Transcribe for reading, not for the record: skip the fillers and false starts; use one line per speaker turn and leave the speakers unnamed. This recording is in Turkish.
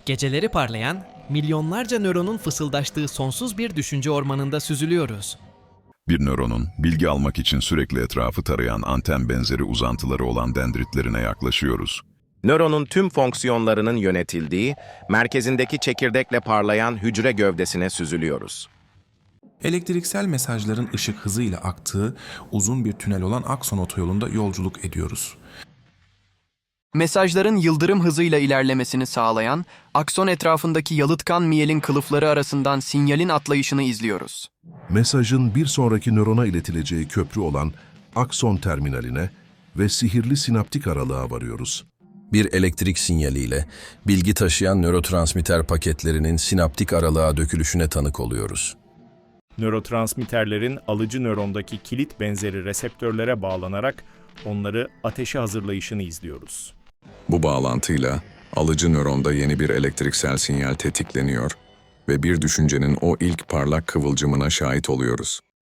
Geceleri parlayan, milyonlarca nöronun fısıldaştığı sonsuz bir düşünce ormanında süzülüyoruz.
Bir nöronun, bilgi almak için sürekli etrafı tarayan anten benzeri uzantıları olan dendritlerine yaklaşıyoruz.
Nöronun tüm fonksiyonlarının yönetildiği, merkezindeki çekirdekle parlayan hücre gövdesine süzülüyoruz.
Elektriksel mesajların ışık hızıyla aktığı uzun bir tünel olan akson otoyolunda yolculuk ediyoruz.
Mesajların yıldırım hızıyla ilerlemesini sağlayan, akson etrafındaki yalıtkan miyelin kılıfları arasından sinyalin atlayışını izliyoruz.
Mesajın bir sonraki nörona iletileceği köprü olan akson terminaline ve sihirli sinaptik aralığa varıyoruz.
Bir elektrik sinyaliyle bilgi taşıyan nörotransmitter paketlerinin sinaptik aralığa dökülüşüne tanık oluyoruz.
Nörotransmitterlerin alıcı nörondaki kilit benzeri reseptörlere bağlanarak onları ateşe hazırlayışını izliyoruz.
Bu bağlantıyla alıcı nöronda yeni bir elektriksel sinyal tetikleniyor ve bir düşüncenin o ilk parlak kıvılcımına şahit oluyoruz.